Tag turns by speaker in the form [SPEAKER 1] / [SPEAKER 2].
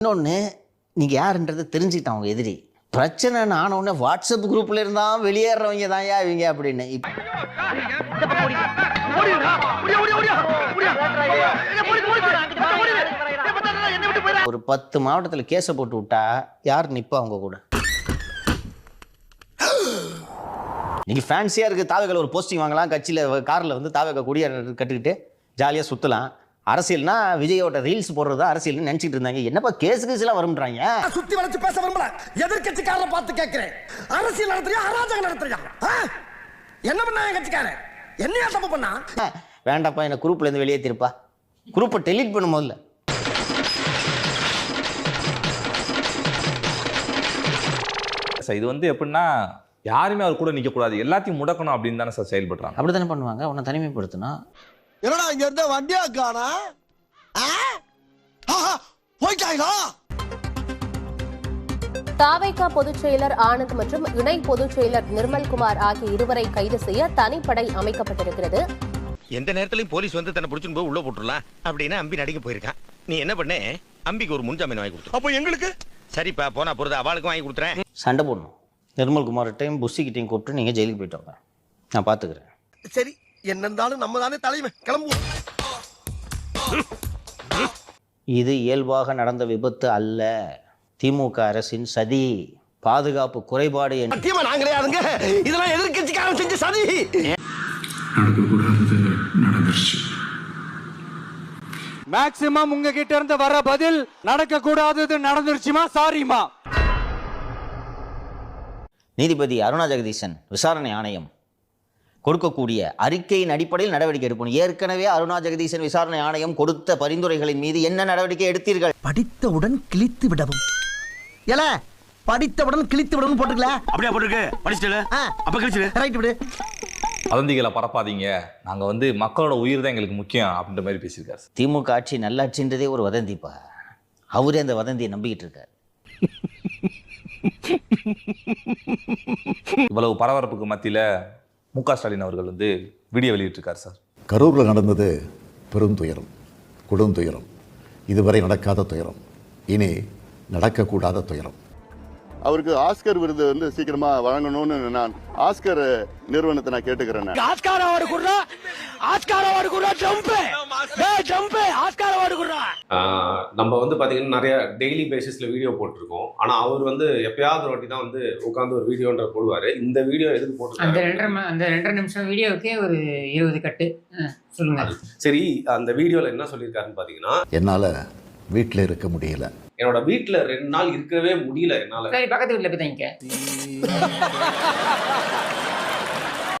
[SPEAKER 1] இன்னொன்று, நீங்கள் யாருன்றது தெரிஞ்சுக்கிட்டான் அவங்க எதிரி. பிரச்சனை ஆனவுடனே வாட்ஸ்அப் குரூப்பில் இருந்தால் வெளியேறவங்க தான் இவங்க அப்படின்னு. ஒரு 10 மாவட்டத்தில் கேஸை போட்டு விட்டா யார் நிற்பா அவங்க கூட? நீங்கள் ஃபேன்சியாக இருக்குது தாவகையில் ஒரு போஸ்டிங் வாங்கலாம், கட்சியில் காரில் வந்து தாவகை கொடியை கட்டுக்கிட்டு ஜாலியாக சுற்றலாம். அரசியல்னா விஜயோட ரீல்ஸ் போடுறது அரசியல்னு நினைச்சிட்டு இருந்தாங்க. என்னப்பா கேஸ் கேஸ்லாம் வரும்ன்றாங்க.
[SPEAKER 2] சுத்தி வளைச்சு பேச விரும்பல. எதிர்க்கட்சிக்காரரை பார்த்து கேட்கிறேன், அரசியல் நடத்துறியா அராஜகம் நடத்துறியா? என்ன பண்ணா என் கட்சிக்காரன்? என்னையா தப்பு பண்ணா?
[SPEAKER 1] வேண்டாப்பா, என்ன குரூப்ல இருந்து வெளியே திருப்பா, குரூப்பை டெலீட் பண்ணும் போதுல.
[SPEAKER 3] இது வந்து எப்படின்னா, யாருமே அவர் கூட நிற்க கூடாது, எல்லாத்தையும் முடக்கணும் அப்படின்னு தானே சார் செயல்படுறாங்க.
[SPEAKER 1] அப்படி தானே பண்ணுவாங்க. உன்னை தனிமைப்படுத்தினா
[SPEAKER 2] என்னடா இங்க இருந்த வண்டியா காணா? போயிட்டாங்களா?
[SPEAKER 4] தாவேகா பொதுச் செயலர் ஆனந்த் மற்றும் இணை பொதுச் செயலர் நிர்மல்குமார் ஆகிய இருவரை கைது செய்ய தனிப்படை அமைக்கப்பட்டிருக்கிறது.
[SPEAKER 5] எந்த நேரத்திலையும் போலீஸ் வந்து தன்னை பிடிச்சுன்னு போய் உள்ள போட்டுடலாம் அப்படின்னு அம்பி நடிக்க போயிருக்கான். நீ என்ன பண்ண? அம்பிக்கு ஒரு முன்ஜாமீன் வாங்கி கொடுத்து. அப்போ எங்களுக்கு சரிப்பா, போனா பொறுத்து அவளுக்கும் வாங்கி கொடுத்துறேன்.
[SPEAKER 1] சண்டை போடணும். நிர்மல்குமார்கிட்டையும் புஷிக்கிட்டையும் கூப்பிட்டு நீங்கள் ஜெயிலுக்கு போயிட்டு வாங்க, நான் பார்த்துக்கிறேன்.
[SPEAKER 2] சரி, என்ன இருந்தாலும் நம்ம தானே தலைமை, கிளம்புவோம்.
[SPEAKER 1] இது இயல்பாக நடந்த விபத்து அல்ல, திமுக அரசின் சதி, பாதுகாப்பு குறைபாடு.
[SPEAKER 2] சத்தியமா நான் கிடையாதுங்க, இதெல்லாம் எதிர்க்கட்சிக்காரன் செஞ்ச சதி.
[SPEAKER 6] நடக்கக்கூடாதது நடந்துருச்சு.
[SPEAKER 7] மேக்ஸிமம் உங்ககிட்ட இருந்து வர பதில் நடக்க கூடாதது நடந்துருச்சுமா, சாரிமா.
[SPEAKER 1] நீதிபதி அருணா ஜெகதீசன் விசாரணை ஆணையம் கொடுக்கக்கூடிய அறிக்கையின் அடிப்படையில் நடவடிக்கை எடுக்கணும். ஏற்கனவே அருணா ஜெகதீசன் விசாரணை ஆணையம் கொடுத்த பரிந்துரைகளின் மீது என்ன நடவடிக்கை எடுத்தீர்கள்?
[SPEAKER 2] படித்தவுடன் கிழித்து விடவும். ஏல, படித்தவுடன் கிழித்து விடவும் போட்டுக்கல.
[SPEAKER 5] அப்படியே போட்டுருக்கு. படிச்சிட்டல அப்ப கிழிச்சிடு.
[SPEAKER 2] ரைட் விடு.
[SPEAKER 3] வதந்திகளை பரப்பாதீங்க, நாங்க வந்து மக்களோட உயிர் தான் எங்களுக்கு முக்கியம் அப்படின்ற மாதிரி பேசியிருக்காரு.
[SPEAKER 1] திமுக ஆட்சி நல்லாட்சின்றதே ஒரு வதந்திப்பா. அவரே அந்த வதந்தியை நம்பிக்கிட்டு இருக்காரு.
[SPEAKER 3] இவ்வளவு பரபரப்புக்கு மத்தியில மு.க. ஸ்டாலின் அவர்கள் வந்து வீடியோ வெளியிட்டிருக்காரு சார்.
[SPEAKER 6] கரூரில் நடந்தது பெருந்துயரம், கொடுந்துயரம், இதுவரை நடக்காத துயரம், இனி நடக்கக்கூடாத துயரம்.
[SPEAKER 8] அவருக்கு ஆஸ்கர் விருது வந்து சீக்கிரமா வழங்கணும்னு நான் ஆஸ்கர் நிறுவனத்தை நான் கேட்டுக்கிறேன்.
[SPEAKER 2] ஆஸ்கார் அவார்டு குடுறா, ஆஸ்கார் அவார்டு குடுறா, ஜம்ப் ஜம்ப், ஆஸ்கார் அவார்டு குடுறா.
[SPEAKER 9] நம்ம வந்து பாத்தீங்கன்னா நிறைய டெய்லி பேசிஸ்ல வீடியோ போட்டிருக்கோம். ஆனா அவர் வந்து எப்பயாவது ஒரு வாட்டி தான் வந்து உட்காந்து ஒரு வீடியோன்ற போடுவாரு. இந்த வீடியோ எதுக்கு போட்டு
[SPEAKER 10] அந்த 2.5 நிமிஷம் வீடியோக்கே ஒரு 20 கட்டு சொல்லுங்க.
[SPEAKER 9] சரி, அந்த வீடியோல என்ன சொல்லியிருக்காருன்னு பாத்தீங்கன்னா,
[SPEAKER 6] என்னால் வீட்டில் இருக்க முடியல,
[SPEAKER 9] என்னோட வீட்டுல 2 நாள் இருக்கவே முடியல என்னால.
[SPEAKER 10] பக்கத்து வீட்டுல போய் தங்கிக்க.